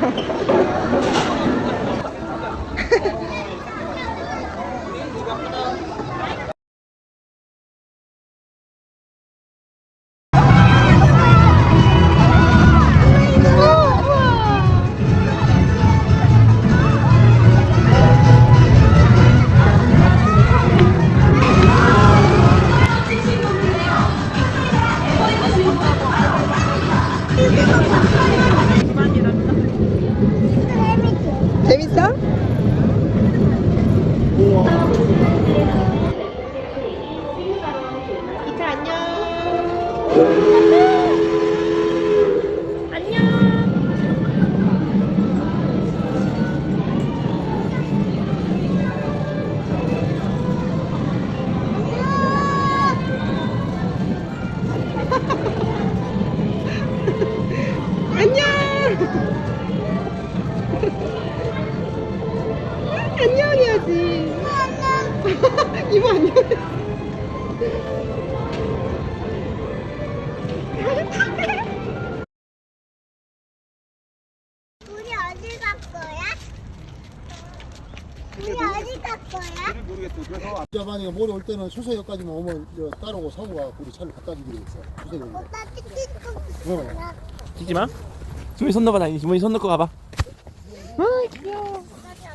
재밌어? 이타 안녕. 안녕. 안녕해야지. 이모 안녕. 우리 어디 갈 거야? 우리 어디 갈 거야? 모르겠어. 그래서 야반이가 모레 올 때는 수서역까지만 오면 이제 따라오고 사고가 우리 차를 갖다 주기로 했어. 수서역에. 나 띠띠 찍지 마. 주머니 손 넣어봐, 다니. 주머니 손 넣고 가봐. 귀여워.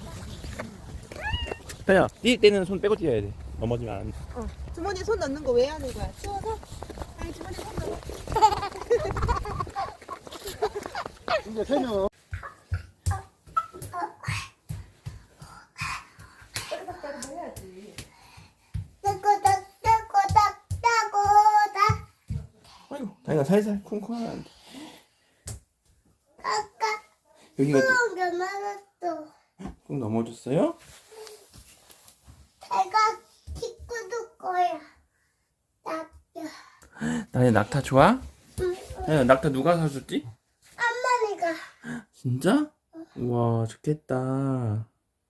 다니야, 뛸 때는 손 빼고 뛰어야 돼. 넘어지면 안 돼. 주머니에 손 넣는 거 왜 하는 거야? 추워서? 아니 주머니 손 넣어. 이제 세 명. 따고닥 아이고, 다니가 살살 쿵쿵하는데. 아까 여기가 뚜껑 맞았어. 꾹 넘어졌어요? 내가 킥구도 거야. 다니 낙타 좋아? 응. 다니 낙타 누가 사줬지? 엄마니까 진짜? 우와, 좋겠다.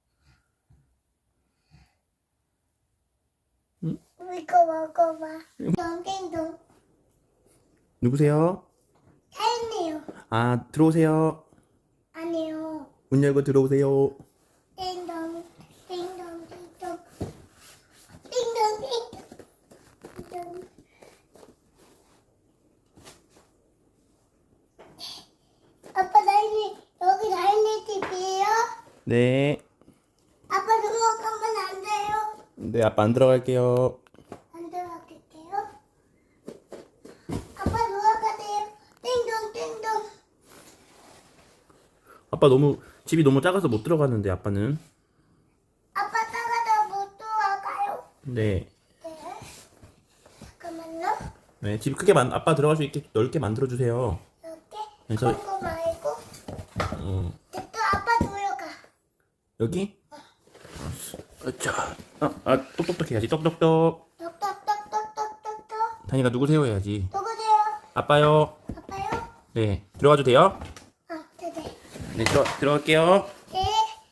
이거 먹어봐. 동댕동 누구세요? 헬리요. 아, 들어오세요. 아니요. 문 열고 들어오세요. 띵동 띵동 띵동 띵동 띵동. 아빠 다인이 여기 다인이 집이에요? 네. 아빠 들어가면 안 돼요? 네, 아빠 안 들어갈게요. 안 들어갈게요. 아빠 들어가세요. 띵동 띵동. 아빠 집이 너무 작아서 못 들어가는데, 아빠는. 아빠 따라다 못 들어가요? 네. 네. 잠깐만요. 네, 집 아빠 들어갈 수 있게 넓게 만들어주세요. 이렇게 그래서- 그거 말고 또 아빠 들어가. 여기? 자, 똑똑똑 해야지. 똑똑똑. 똑똑똑똑똑똑똑. 다니가 누구세요 해야지. 누구세요? 아빠요. 아빠요? 네, 들어가도 돼요? 네네. 네, 들어갈게요. 네.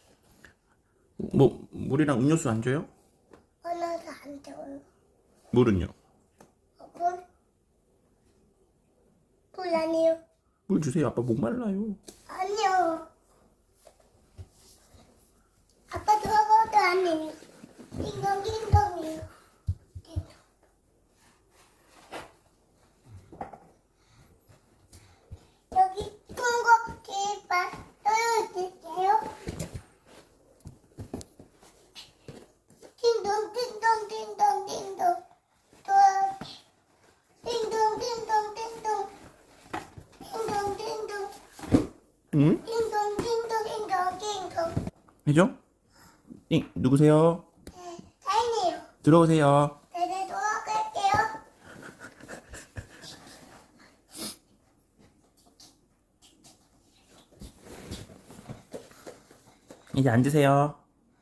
물이랑 음료수 안 줘요? 하나도 안 돼요. 물은요? 물? 물 아니요. 물 주세요. 아빠 목말라요. 아니요. 아빠 들어가도 아니에요. 띵동 띵동이요. 띵동. 여기 통고 길바 떨어질게요. 띵동 띵동 띵동 띵동. 또 띵동 띵동 띵동. 띵동 띵동. 응? 띵동 띵동 띵동 띵동. 해줘? 누구세요? 네, 다행이에요. 들어오세요. 네네, 돌아갈게요. 이제 앉으세요.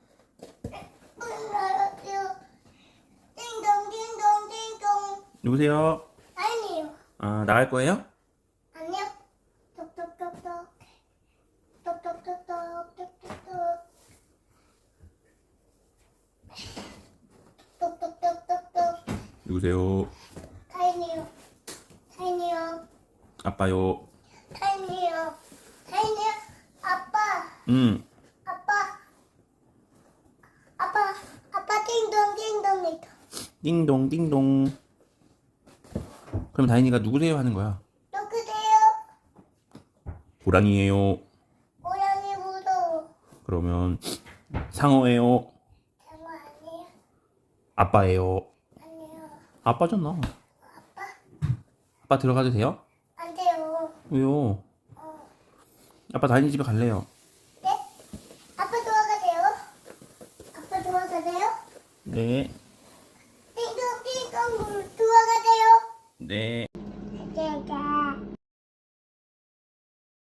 알았어요. 띵동 띵동 띵동. 누구세요? 다행이에요. 아, 나갈 거예요? 안녕. 똑똑똑똑. 똑똑똑똑. 똑똑똑. 똑똑똑똑똑. 누구세요? 다행이에요. 다행이에요. 아빠요. 다행이에요. 다행이에요. 아빠 아빠. 아빠 띵동 띵동이다. 띵동 띵동. 그럼 다인이가 누구세요 하는 거야? 누구세요? 고양이에요. 고양이 무서워. 그러면 상어예요. 장어 아니에요? 아빠예요. 아니에요. 아빠잖아. 아빠? 아빠 들어가도 돼요? 안 돼요. 왜요? 아빠 다인이 집에 갈래요. 네? 아빠 들어가세요? 아빠 들어가세요? 네. 띵동 띵동 들어가세요? 네.